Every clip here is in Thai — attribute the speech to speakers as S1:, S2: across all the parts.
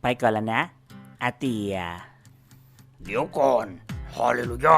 S1: ไปก่อนแล้วนะอาเตีย
S2: เดี๋ยวก่อนฮาเลลูยา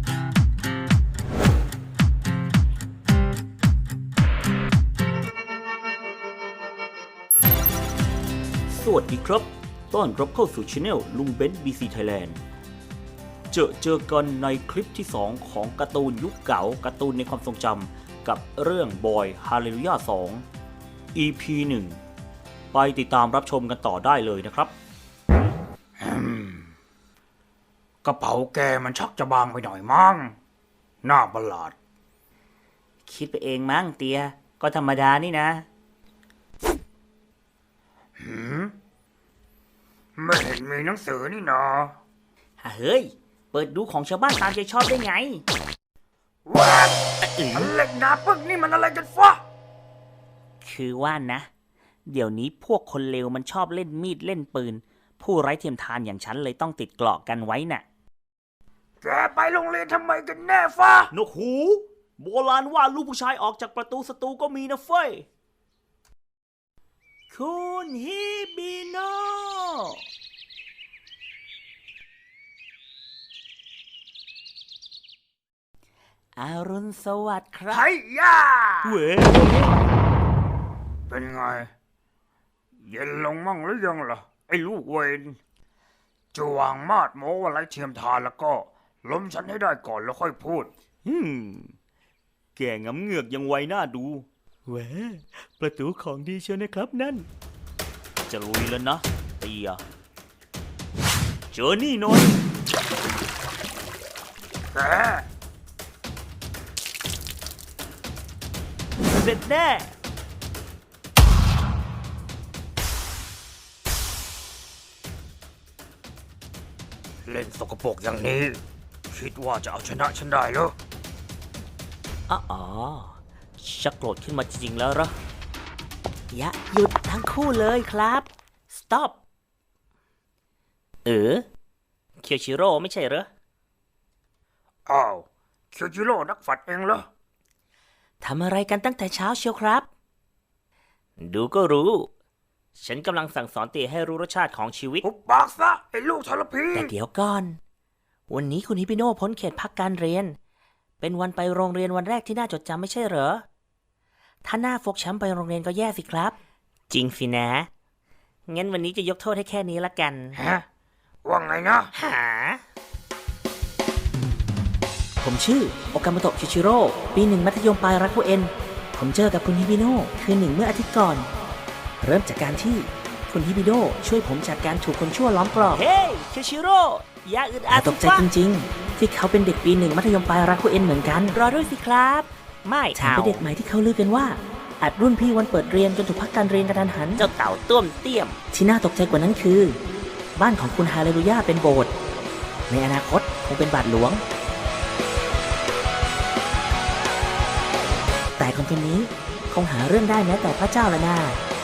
S1: สวัสดีครับต้อนรับเข้าสู่ช anel ลุงเบนซ์ BC Thailand เจอกันในคลิปที่ 2 ของการ์ตูนยุคเก่าการ์ตูนในความทรงจำกับเรื่องบอยฮาเลลูยา2 EP 1 ไปติดตามรับชมกันต่อได้เลยนะครับ
S2: กระเป๋าแกมันชักจะบางไปหน่อยมั้งน่าประหลาด
S1: คิดไปเองมั้งเตียก็ธรรมดานี่นะ
S2: ไม่เห็นมีหนังสือนี่นา
S1: เฮ้ยเปิดดูของชาวบ้านตามใจชอบได้ไง
S2: ว้าเล็กนาปึกนี่มันอะไรกันฟะ
S1: คือว่านะเดี๋ยวนี้พวกคนเลวมันชอบเล่นมีดเล่นปืนผู้ไร้เทียมทานอย่างฉันเลยต้องติดเกราะกันไว้น่ะ
S2: แกไปโรงเรียนทำไมกันแน่ฟะ
S1: นกหูโบราณว่าลูกผู้ชายออกจากประตูศัตรูก็มีนะเฟ้ยคุณฮิบิโนอรุณสวัสดิ์ครับ
S2: ไฮ้ย่า
S1: เว้ย
S2: เป็นไงเย็นลงมั่งหรือยังล่ะไอ้ลูกเวนจะวางมาดโม้ว่าไร้เทียมทานแล้วก็ล้มฉันให้ได้ก่อนแล้วค่อยพูด
S1: แกงำเหงือกยังไวหน้าดูเว้ยประตูของดีเชียวนะครับนั่นจะลุยแล้วนะเตียเจอนี่หน่อย
S2: แก
S1: เสร็จแน่
S2: เล่นสกปรกอย่างนี้คิดว่าจะเอาชนะฉันได้เหรอ
S1: อ๋อชักโกรธขึ้นมาจริงๆแล้วเหรออย่าหยุดทั้งคู่เลยครับ stop เคียวชิโร่ไม่ใช่เหรอ
S2: อ้าวเคียวจิโร่นักฝัดเองเหรอ
S1: ทำอะไรกันตั้งแต่เช้าเชียวครับดูก็รู้ฉันกำลังสั่งสอนเตี่ยให้รู้รสชาติของชีวิต
S2: หุบปากซะไอ้ลูกทรพี
S1: แต่เดี๋ยวก่อนวันนี้คุณฮิปิโน่พ้นเขตพักการเรียนเป็นวันไปโรงเรียนวันแรกที่น่าจดจำไม่ใช่เหรอถ้าหน้าฟกช้ำไปโรงเรียนก็แย่สิครับจริงสินะงั้นวันนี้จะยกโทษให้แค่นี้ละกัน
S2: ฮะว่าไงนะ
S1: ผมชื่อโอกาโมโตะคิชิโร่ปีหนึ่งมัธยมปลายรักผู้เอ็นผมเจอกับคุณฮิปิโน่คืนหนึ่งเมื่ออาทิตย์ก่อนเริ่มจากการที่คุณฮิบิโดช่วยผมจากการถูกคนชั่วล้อมกรอบเฮ้ยคิชิโร่อย่าอึดอัดตกใจจริงๆที่เขาเป็นเด็กปีหนึ่งมัธยมปลายรักคู่เอ็นเหมือนกันรอด้วยสิครับไม่แถมเป็นเด็กใหม่ที่เขาลือกันว่าอัดรุ่นพี่วันเปิดเรียนจนถูกพักการเรียนกระทันหันเจ้าเต่าต้วมเตี้ยมที่น่าตกใจกว่านั้นคือบ้านของคุณฮาเลลูยาเป็นโบสถ์ในอนาคตคงเป็นบาทหลวงแต่คนนี้คงหาเรื่องได้แม้แต่พระเจ้าละน่า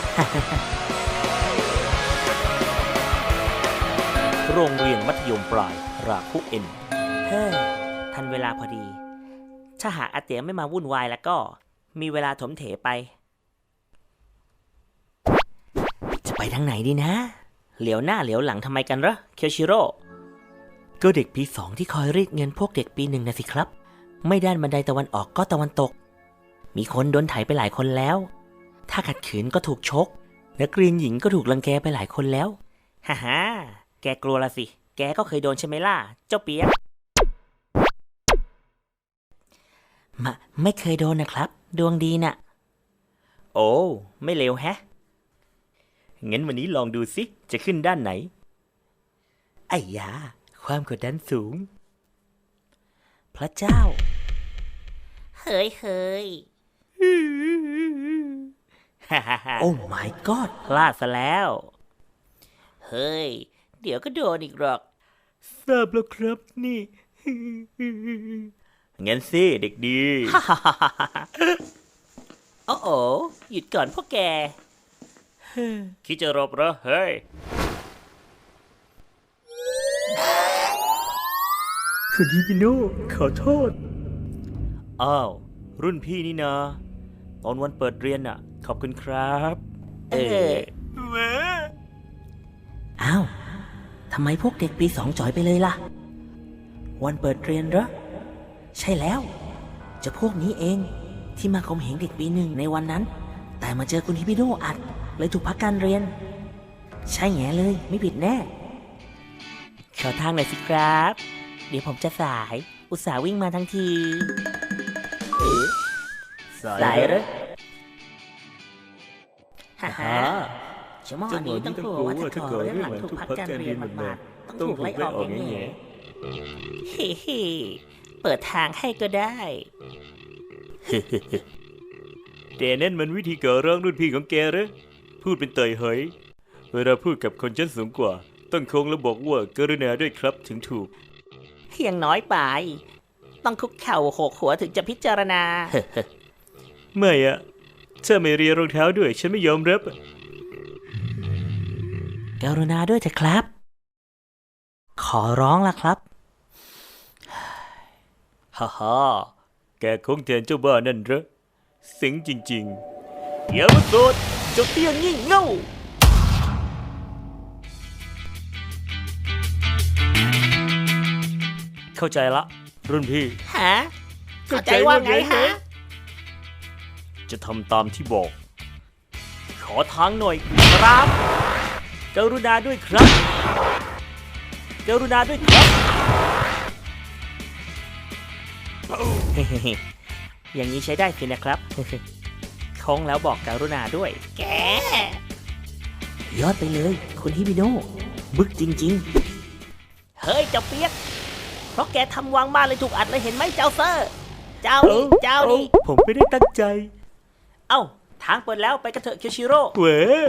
S1: โรงเรียนมัธยมปลายราคุเอ็นเฮ้ยทันเวลาพอดีถ้าหากอาเตียไม่มาวุ่นวายแล้วก็มีเวลาถมเถไปจะไปทางไหนดีนะเหลียวหน้าเหลียวหลังทำไมกันเหรอเคียวชิโร่ก็เด็กปีสองที่คอยรีดเงินพวกเด็กปีหนึ่งนะสิครับไม่ด้านบันไดตะวันออกก็ตะวันตกมีคนโดนไถไปหลายคนแล้วถ้าขัดขืนก็ถูกชกนักเรียนหญิงก็ถูกรังแกไปหลายคนแล้วฮ่าแกกลัวละสิแกก็เคยโดนใช่ไหมล่ะเจ้าเปียกไม่เคยโดนนะครับดวงดีน่ะโอ้ไม่เลวแฮะงั้นวันนี้ลองดูสิจะขึ้นด้านไหนไอ้ยาความกดดันสูงพระเจ้าเฮ้ยโอ้ my god พลาดซะแล้วเฮ้ยเดี๋ยวก็โดนอีกหรอกทราบแล้วครับนี่งั้นสิเด็กดีโอ้หยุดก่อนพวกแกคิดจะรบเหรอเฮ้ยคุณฮิบิโน่ขอโทษอ้าวรุ่นพี่นี่นะตอนวันเปิดเรียนน่ะขอบคุณครับอ้าวทำไมพวกเด็กปี 2จ่อยไปเลยล่ะ วันเปิดเรียนเหรอ ใช่แล้ว จะพวกนี้เองที่มาข่มเหงเด็กปี 1ในวันนั้น แต่มาเจอคุณฮิบิโนะอัดเลยถูกพักการเรียน ใช่แง่เลยไม่ผิดแน่ขอทางหน่อยสิครับ เดี๋ยวผมจะสาย อุตส่าห์วิ่งมาทั้งทีสายเหรอฮ่าฮ่าชั่วโมงนี้ต้องกลัวว่าถ้าขอเรื่องหลังถูกพักการเรียนมากๆต้องถูกไล่ออกแน่ๆเฮ้เปิดทางให้ก็ได้
S3: แต่นั่นมันวิธีก่อร้องรุ่นพี่ของแกเหรอพูดเป็นเตยเหยเวลาพูดกับคนชั้นสูงกว่าต้องโค้งแล้วบอกว่ากรุณาด้วยครับถึงถูก
S1: เพียงน้อยไป ต้องคุกเข่าโขกหัวถึงจะพิจารณา
S3: ไม่อะถ้าไม่เรียนรองเท้าด้วยฉันไม่ยอมรับอะ
S1: กรุณาด้วยเถอะครับ ขอร้องล่ะครับ
S3: ฮ่าฮ่าแกคงแทนเจ้าบ้านั่นเหรอสิงจริงๆอย่ามาโสดเจ้าเตี้ยงี่เง่าเข้าใจละรุ่นพี่
S1: ฮะเข้าใจว่าไงฮะ
S3: จะทำตามที่บอก ขอทางหน่อยครับกรุณาด้วยครับกรุณาด้วยครับ
S1: อย่างนี้ใช้ได้สินะครับ โค้งแล้วบอกกรุณาด้วย แก ยอดไปเลย คุณฮิบิโนะบึกจริงๆ เฮ้ยเจ้าเปียก เพราะแกทำวางบ้านเลยถูกอัดเลยเห็นไหมเจ้าเซอร์ เจ้านี่เจ้านี่
S3: ผมไม่ได้ตั้งใจ
S1: เอ้า ทางเปิดแล้วไปกันเถอะเคียวชิโร่
S3: เว้ย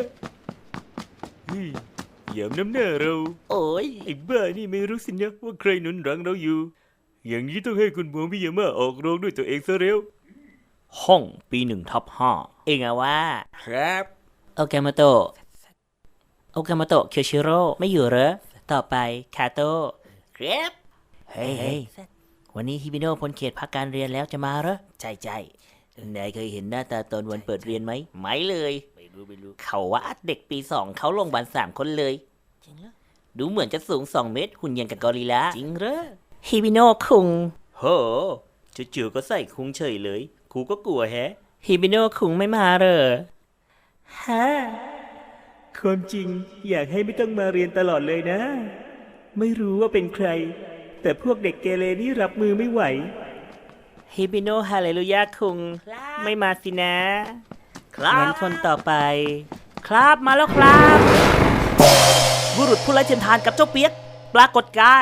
S3: อย่าน้ำหน้าเรา
S1: โอ้ย
S3: ไอ้บ้านี่ไม่รู้สินะว่าใครหนุนหลังเราอยู่ อย่างนี้ต้องให้คุณหมอมิยาม่าออกโรงด้วยตัวเองซะเร็ว ห้องปี1/5
S1: เองอะว่า
S3: ครับ
S1: โอเคาโมโตะเคียวชิโร่ไม่อยู่เหรอ ต่อไปคาโตะครับ เฮ้ยวันนี้ฮิบิโนะพ้นเขตพักการเรียนแล้วจะมาเหรอ ใช่นายเคยเห็นหน้าตาตอนวันเปิดเรียนไหม ไม่เลย ไม่รู้ เขาว่าอัดเด็กปี 2เขาลงบัน3 คนเลย จริงเหรอ ดูเหมือนจะสูง2 เมตรหุ่นยังกับกอริลลา จริงเหรอ ฮิบิโนะคุง
S3: โหจู่ๆก็ใส่คุ้งเฉยเลยครูก็กลัวแฮะ
S1: ฮิบิโนะคุงไม่มาเหรอฮะ
S3: ความจริงอยากให้ไม่ต้องมาเรียนตลอดเลยนะ ไม่รู้ว่าเป็นใคร แต่พวกเด็กเกเรนี่รับมือไม่ไหว
S1: ฮิบิโนะฮาเลลูยาคุงไม่มาสินะ งั้นคนต่อไป ครับมาแล้วครับ บุรุษผู้ไร้เทียมทานกับเจ้าเปียก ปรากฏกาย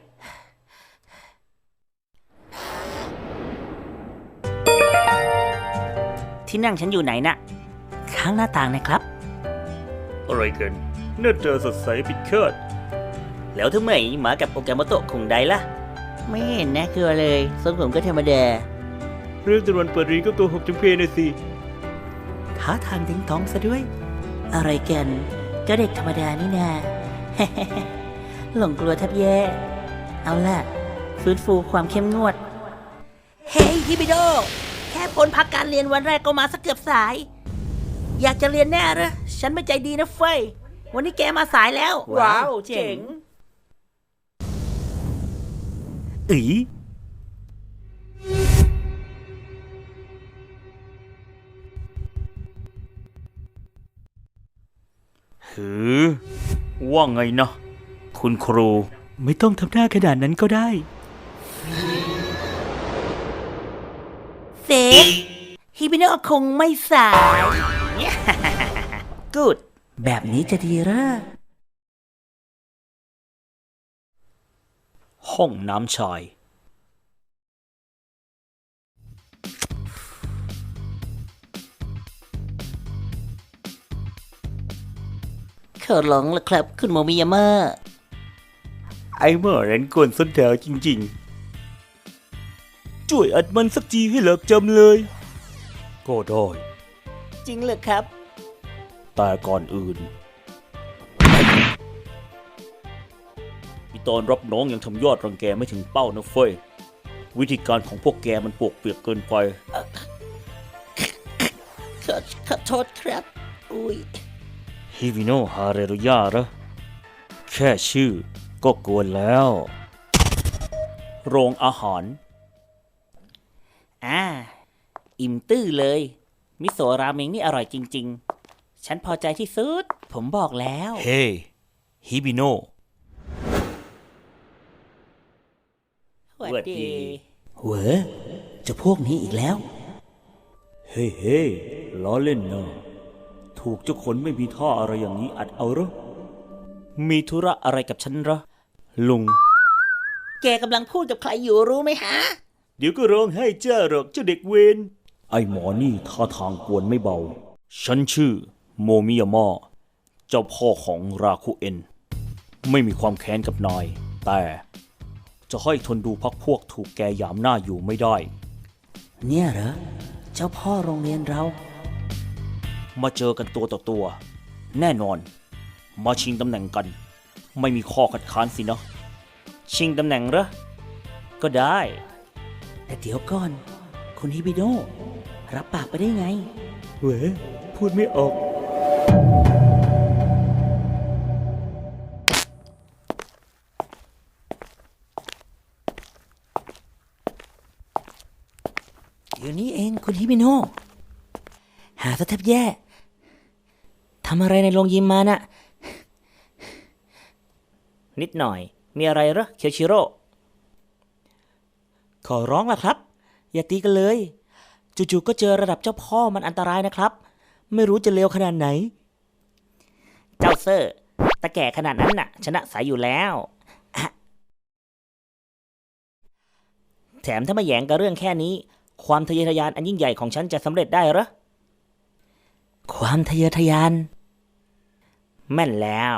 S1: ที่นั่งฉันอยู่ไหนน่ะ ข้างหน้าต่างนะครับ
S3: อะไรกันหน้าตาสดใสปิดคาด
S1: แล้วทำไมมากับโอกาโมโตะคงได้ล่ะ ไม่เห็นน่ากลัวเลยทรงผมก็ธรรมดา
S3: เรื่องตะวันเปิดเรียนก็โกหกจำเพนะสิ
S1: ท้าทางทิ้งท้องซะด้วย อะไรกันก็เด็กธรรมดานี่นา หลงกลัวแทบแย่ เอาล่ะ ฟื้นฟูความเข้มงวด เฮ้ยฮิบิโด แค่พ้นพักการเรียนวันแรกก็มาสักเกือบสาย อยากจะเรียนแน่เหรอฉันไม่ใจดีนะเฟยวันนี้แกมาสายแล้ว ว้าว เจ๋ง
S3: อีหือว่าไงนะ คุณครู ไม่ต้องทำหน้าขนาดนั้นก็ได้
S1: เซฟฮิบิโนะคงไม่สาย กูดแบบนี้จะดีเหรอ
S3: ห้องน้ำชาย
S1: ขอร้องละครับ คุณโมมิยาม่า
S3: ไอ้เมื่อเรนกวนส้นแถวจริงๆ ช่วยอัดมันสักทีให้เลิกจำเลย ก็ได้
S1: จริงเหรอครับ
S3: แต่ก่อนอื่นมีตอนรับน้องยังทำยอดรังแกไม่ถึงเป้านะเฟ้ย วิธีการของพวกแกมันปวกเปียกเกินไป
S1: ขอโทษครับ อุ้ย
S3: ฮิวิโนะฮาเรรุยาเหรอแค่ชื่อก็กวนแล้ว โรงอาหาร
S1: อิ่มตื้อเลย มิโซะราเมงนี่อร่อยจริงๆ ฉันพอใจที่สุด ผมบอกแล้ว
S3: เฮ้ ฮิบิโน
S1: หวัดดีเหวอจะพวกนี้อีกแล้ว
S3: เฮ้เฮ้ล้อเล่นนะถูกเจ้าคนไม่มีท่าอะไรอย่างนี้อัดเอาเหรอ มีธุระอะไรกับฉันเหรอ ลุง
S1: แกกำลังพูดกับใครอยู่รู้ไหมฮะ
S3: เดี๋ยวก็ร้องให้เจ้าหรอกเจ้าเด็กเวรไอ้หมอนี่ท่าทางกวนไม่เบา ฉันชื่อโมมิยามะเจ้าพ่อของราคุเอ็น ไม่มีความแค้นกับนาย แต่จะให้ทนดูพักพวกถูกแกหยามหน้าอยู่ไม่ได้
S1: เนี่ยเหรอ เจ้าพ่อโรงเรียนเรา
S3: มาเจอกันตัวต่อตัว แน่นอน มาชิงตำแหน่งกัน ไม่มีข้อคัดค้านสินะ ชิงตำแหน่งเหรอ ก็ได้
S1: แต่เดี๋ยวก่อน คุณฮิบิโดรับปากไปได้ไง
S3: เว้ยพูดไม่ออก
S1: เดี๋ยวนี้เองคุณฮิบิโนหาซะแทบแย่ทำอะไรในโรงยิมมาน่ะ นิดหน่อย มีอะไรเหรอเคียวชิโร่ ขอร้องล่ะครับ อย่าตีกันเลย จู่ๆก็เจอระดับเจ้าพ่อมันอันตรายนะครับ ไม่รู้จะเลวขนาดไหน เจ้าเซอร์ตะแก่ขนาดนั้นน่ะ ชนะสายอยู่แล้วอะแถมถ้ามาแหยงกับเรื่องแค่นี้ ความทะเยอทะยานอันยิ่งใหญ่ของฉันจะสำเร็จได้เหรอ ความทะเยอทะยาน แม่นแล้ว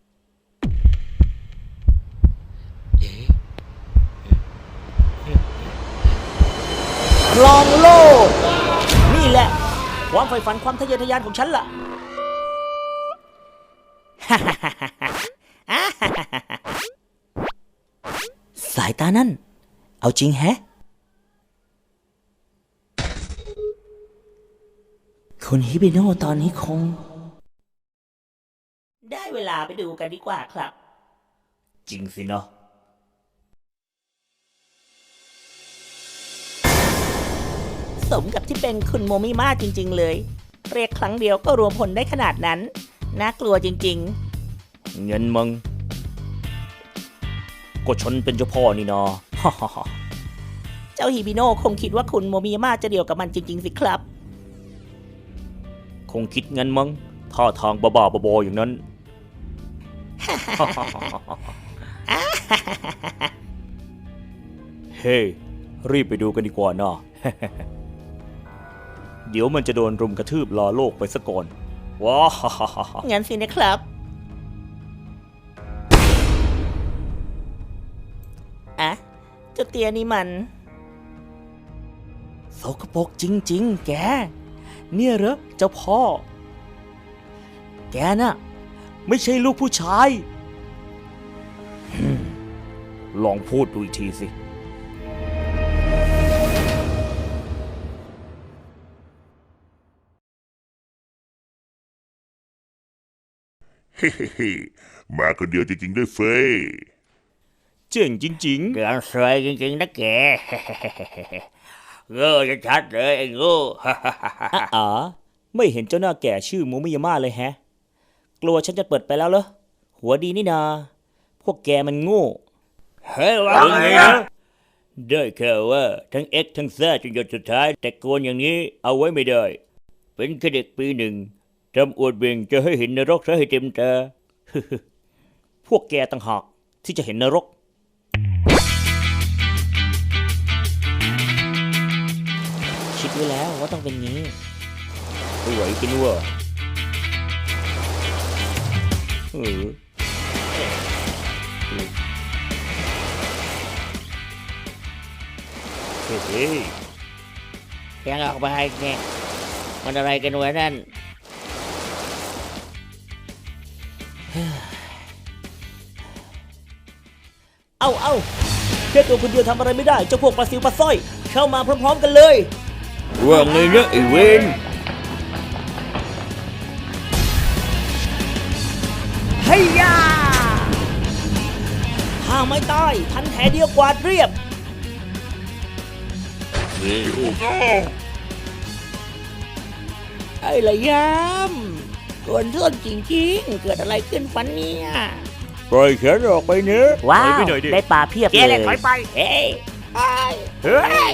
S1: ครองโลก นี่แหละ ความใฝ่ฝันความทะเยอทะยานของฉันล่ะ สายตานั่น เอาจริงแฮะ คุณฮิบิโนะตอนนี้คง ได้เวลาไปดูกันดีกว่าครับ
S3: จริงสินะ
S1: สมกับที่เป็นคุณโมมิมาจริงๆเลย เรียกครั้งเดียวก็รวมผลได้ขนาดนั้น น่ากลัวจริง
S3: เงินมึง ก็ฉันเป็นเจ้าพ่อนี่นา
S1: ๆ เจ้าฮิบิโนะคงคิดว่าคุณโมมิมาจะเดียวกับมันจริงๆสิครับ
S3: คงคิดงั้นมั้งท่าทางบ้าๆบอๆอย่างนั้น เฮ้ รีบไปดูกันดีกว่านะ เดี๋ยวมันจะโดนรุมกระทืบลาโลกไปซะก่อน ว้า
S1: งั้นสินะครับ อะเจ้าเตียนี่มัน โสกปรกจริงๆ แก เนี่ยเหรอเจ้าพ่อ แกน่ะ
S3: ไม่ใช่ลูกผู้ชาย ลองพูดดูอีกทีสิ
S4: เฮ้มาคนเดียวจริงๆด้วยเฟย
S3: เจ๋งจริง
S1: เกินสวยจริงๆนะแก โง่จะชัดเลยไอ้โง่
S3: ๆอ๋อไม่เห็นเจ้าหน้าแก่ชื่อโมมิยาม่าเลยแฮะ กลัวฉันจะเปิดไปแล้วเหรอ หัวดีนี่นา พวกแกมันโง่
S1: เฮ้ยว่าไงนะ
S3: ได้แค่ว่าทั้ง X ทั้ง Z จนหยดสุดท้าย แต่โกนอย่างนี้เอาไว้ไม่ได้ เป็นแค่เด็กปีหนึ่งทำอวดเบ่งจะให้เห็นนรกซะให้เต็มตา พวกแกต่างหากที่จะเห็นนรก
S1: คิดไว้แล้วว่าต้องเป็นงี้
S3: ไม่ไหวกันว่าเออเฮ้ย
S1: ยังออกมาให้แกมันอะไรกันวะนั่น เอาแค่ตัวคนเดียวทำอะไรไม่ได้เจ้าพวกปลาซิวปลาสร้อย เข้ามาพร้อมๆกันเลย
S3: ว่าไงนะไอ้เวน
S1: เฮียไม่ตายพันแผลเดียวกวาดเรียบ
S4: นี่โอ้โห
S5: ไอ้ระยำกวนส้นจริงๆ เกิดอะไรขึ้นฟันเนี่ย
S3: ปล่อยแขนออกไปเนื้อะ
S1: ว้า
S3: ปล่อยว ไปหน่อยดิ
S1: ได้ปลาเพียบ
S5: เก
S1: เล
S5: เลย
S1: ย
S5: ถอยไป เฮ้ยเฮ้ย
S3: เฮ้ย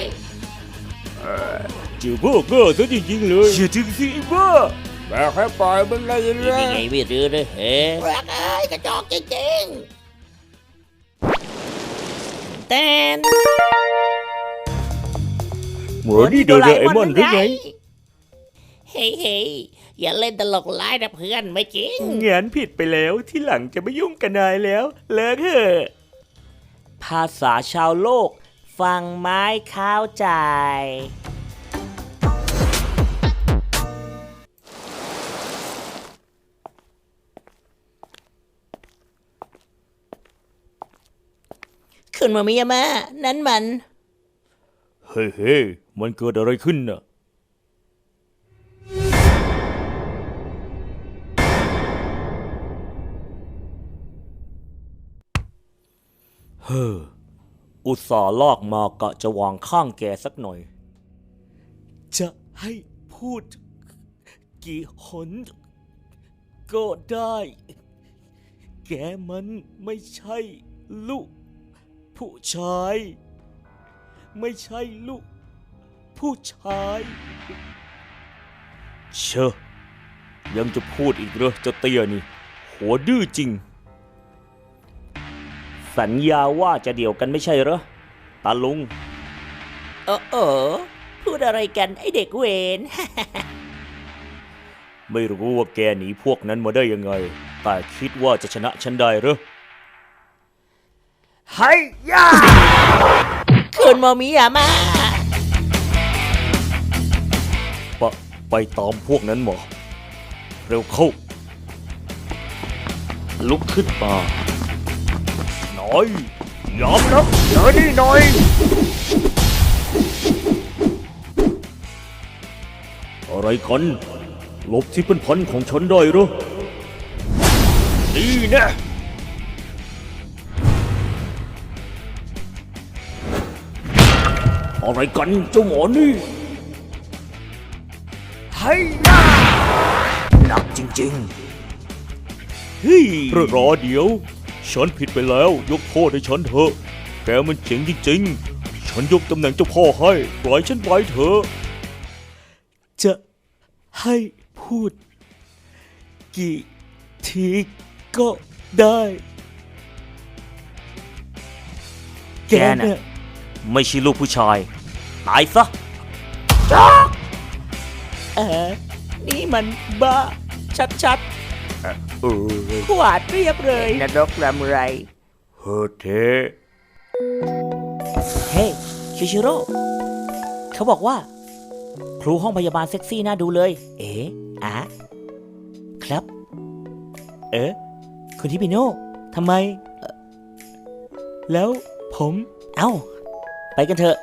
S3: จือพวกเกอร์ซะจริงๆเลยเชื่อจริงสิไอ้บ้าแบกให้ปล่อยมันเลย
S5: นี่
S3: นะ
S5: ไงไม่รู้เลยเฮ้ยรักเอ้ยกระจอกจริงๆแต่
S3: หมอนี่โดนไอ้มอนหรือไง
S5: เฮ้ยอย่าเล่นตลกร้ายนะเพื่อนไม่จริง
S3: งานผิดไปแล้วที่หลังจะไม่ยุ่งกับนายแล้ว เลิกเถอะ
S1: ภาษาชาวโลก ฟังไม้ข้าวใจ
S5: คุณมามิยามะนั้นมัน
S3: เฮ้ยมันเกิดอะไรขึ้นน่ะเฮ้ออุตส่าห์ลากมากะจะวางข้างแกสักหน่อย จะให้พูดกี่หนก็ได้ แกมันไม่ใช่ลูกผู้ชาย ไม่ใช่ลูกผู้ชายเชอะยังจะพูดอีกเหรอเจ้าเตี้ยนี่ หัวดื้อจริง สัญญาว่าจะเดี่ยวกันไม่ใช่เหรอตาลุง
S5: พูดอะไรกันไอเด็กเวน
S3: ไม่รู้ว่าแกหนีพวกนั้นมาได้ยังไง แต่คิดว่าจะชนะฉันได้เหรอ
S2: เฮ้ยย่า
S5: คุณมามิยามะ
S3: ไปตามพวกนั้นมาเร็วเข้า ลุกขึ้นมาหน่อยยอมนะ
S2: เจอนี่หน่อย
S3: อะไรกันหลบที่เป็นพันของฉันได้เหรอนี่แนะอะไรกันเจ้าหมอนี่
S2: เฮ้ยย่า
S3: หนักจริงๆเฮ้ยรอเดี๋ยว ฉันผิดไปแล้วยกโทษให้ฉันเถอะ แกมันเจ๋งจริงๆ ฉันยกตำแหน่งเจ้าพ่อให้ ปล่อยฉันไปเถอะ จะให้พูดกี่ทีก็ได้ แกน่ะไม่ใช่ลูกผู้ชาย ตายซะ
S5: นี่มันบ้า ชัด
S3: เออ
S5: ๆ ขวาดเรียบเลยนรกรำไร
S3: เฮ้เท
S1: เฮ้ยชิชิโร่เขาบอกว่า ครูห้องพยาบาลเซ็กซี่น่าดูเลย เอ๋อะครับ คุณทิปิโน่ทำไมแล้วผม เอ้า ไปกันเถอะ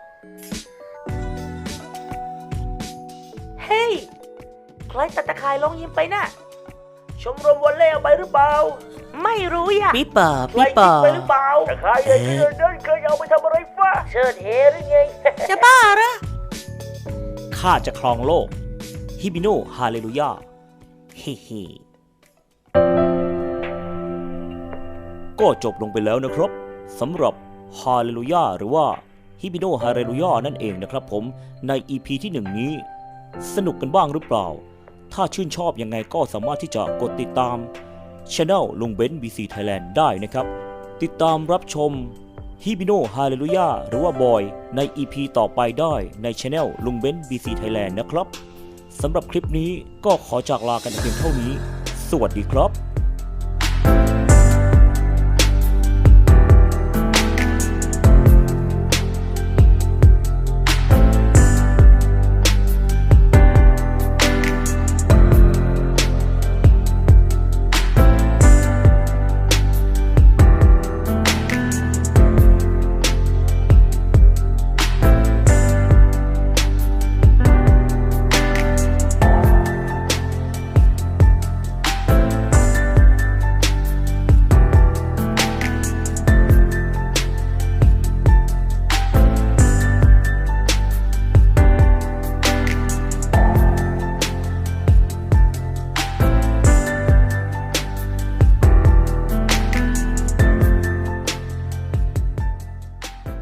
S1: เฮ้ย ใครตัดตะข่ายลงยิ้มไปน่ะ ชมรมวอลเล่เอาไปหรือเปล่า ไม่รู้อย่ะ
S5: ปีเปอร์
S1: ใครยิงไปหรือเปล่าตะข่ายใหญ่ที่เดินเดินเคยเอาไปทำอะไรฟ้าเชิดเฮหรือไง
S5: จะบ้าเหรอ
S3: ข้าจะครองโลก ฮิบิโนฮาเลลูยา เฮ้เฮก็จบลงไปแล้วนะครับสำหรับฮาเลลูยาหรือว่าฮิบิโนฮาเลลูยานั่นเองนะครับผมใน EP ที่ 1 นี้ สนุกกันบ้างหรือเปล่า ถ้าชื่นชอบยังไงก็สามารถที่จะกดติดตาม Channel ลุงเบนซ์ BC Thailand ได้นะครับ ติดตามรับชมฮิบิโนฮาเลลูยาหรือว่าบอยใน EP ต่อไปได้ใน Channel ลุงเบนซ์ BC Thailand นะครับสำหรับคลิปนี้ก็ขอจากลากันเพียงเท่านี้ สวัสดีครับ